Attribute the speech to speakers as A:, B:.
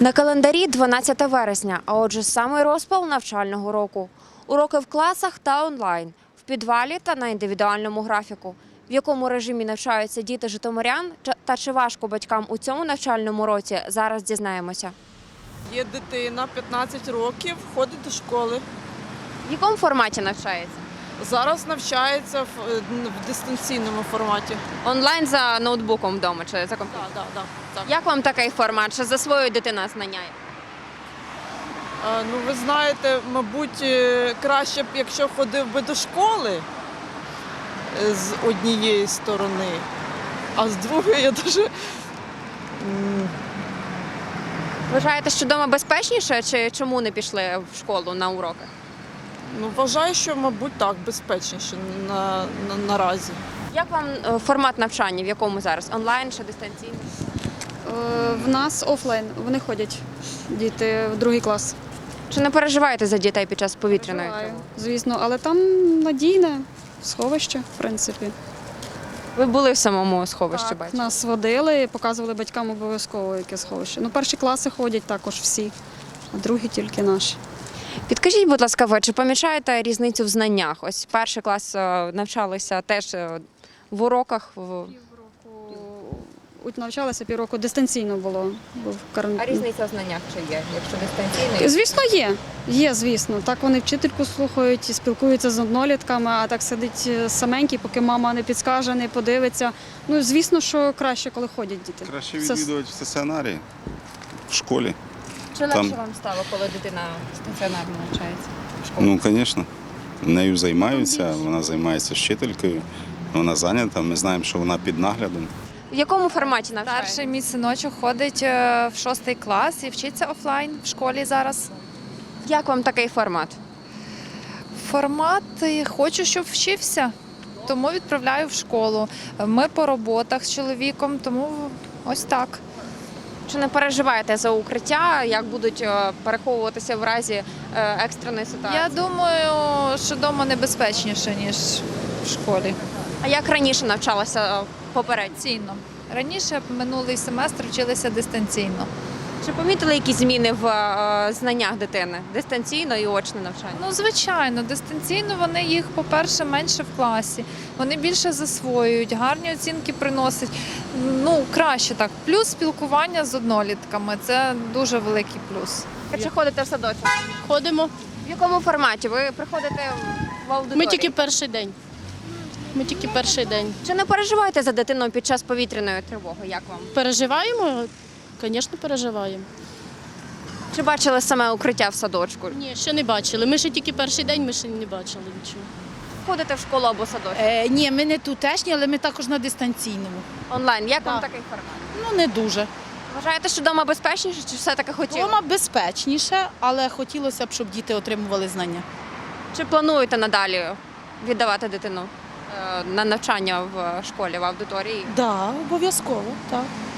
A: На календарі 12 вересня, а отже самий розпал навчального року. Уроки в класах та онлайн, в підвалі та на індивідуальному графіку. В якому режимі навчаються діти житомирян та чи важко батькам у цьому навчальному році, зараз дізнаємося.
B: Є дитина, 15 років, ходить до школи.
A: В якому форматі навчається?
B: Зараз навчається в дистанційному форматі.
A: Онлайн за ноутбуком вдома чи за комп'ютером?
B: Так.
A: Як вам такий формат? Чи засвоює дитина знання?
B: Ну, ви знаєте, мабуть, краще б, якщо ходив би до школи з однієї сторони, а з другої я дуже...
A: Вважаєте, що вдома безпечніше, чи чому не пішли в школу на уроки?
B: Вважаю, що, мабуть, так, безпечніше наразі.
A: Як вам формат навчання, в якому зараз? Онлайн чи дистанційно?
C: В нас офлайн, вони ходять, діти в другий клас.
A: Чи не переживаєте за дітей під час повітряної тривоги?
C: Звісно, але там надійне сховище, в принципі.
A: Ви були в самому сховищі,
C: Так,
A: бачите?
C: нас водили, показували батькам обов'язково яке сховище. Ну, перші класи ходять також всі, а другі тільки наші.
A: Підкажіть, будь ласка, ви чи помічаєте різницю в знаннях? Ось перший клас навчалися теж в уроках.
C: Навчалися півроку, дистанційно було. Був карантин.
A: А різниця в знаннях чи є, якщо дистанційно?
C: Звісно, є. Є, звісно. Так вони вчительку слухають, і спілкуються з однолітками, а так сидить саменький, поки мама не підскаже, не подивиться. Ну, звісно, що краще, коли ходять діти.
D: Краще відвідувати в стаціонарі, в школі.
A: Чи легше
D: Там-
A: вам стало, коли дитина стаціонарно навчається?
D: Ну, звісно, нею займаються, вона займається з вчителькою, вона зайнята, ми знаємо, що вона під наглядом.
A: В якому форматі навчається?
E: Старший мій синочок ходить в 6 клас і вчиться офлайн в школі зараз.
A: Як вам такий формат?
E: Формат хочу, щоб вчився, тому відправляю в школу. Ми по роботах з чоловіком, тому ось так.
A: Чи не переживаєте за укриття, як будуть переховуватися в разі екстреної ситуації?
E: Я думаю, що вдома небезпечніше, ніж в школі.
A: А як раніше навчалася попередньо?
E: Дистанційно. Раніше минулий семестр вчилися дистанційно.
A: Чи помітили якісь зміни в знаннях дитини? Дистанційно і очне навчання?
E: Ну, звичайно, дистанційно вони їх, по-перше, менше в класі. Вони більше засвоюють, гарні оцінки приносять. Ну, краще так. Плюс спілкування з однолітками – це дуже великий плюс.
A: Чи ходите в садочок?
F: Ходимо.
A: В якому форматі? Ви приходите в аудиторію?
F: Ми тільки перший день.
A: Чи не переживаєте за дитину під час повітряної тривоги? Як вам?
F: Переживаємо? Звісно, переживаємо.
A: Чи бачили саме укриття в садочку?
F: Ні, ще не бачили. Ми ще тільки перший день, ми ще не бачили нічого.
A: Ходите в школу або садочок?
G: Ні, ми не тутешні, але ми також на дистанційному.
A: Онлайн. Як вам
G: Так.
A: такий формат?
G: Ну, не дуже.
A: Вважаєте, що вдома безпечніше, чи все-таки хотіли?
G: Дома безпечніше, але хотілося б, щоб діти отримували знання.
A: Чи плануєте надалі віддавати дитину на навчання в школі, в аудиторії?
G: Так, обов'язково, так.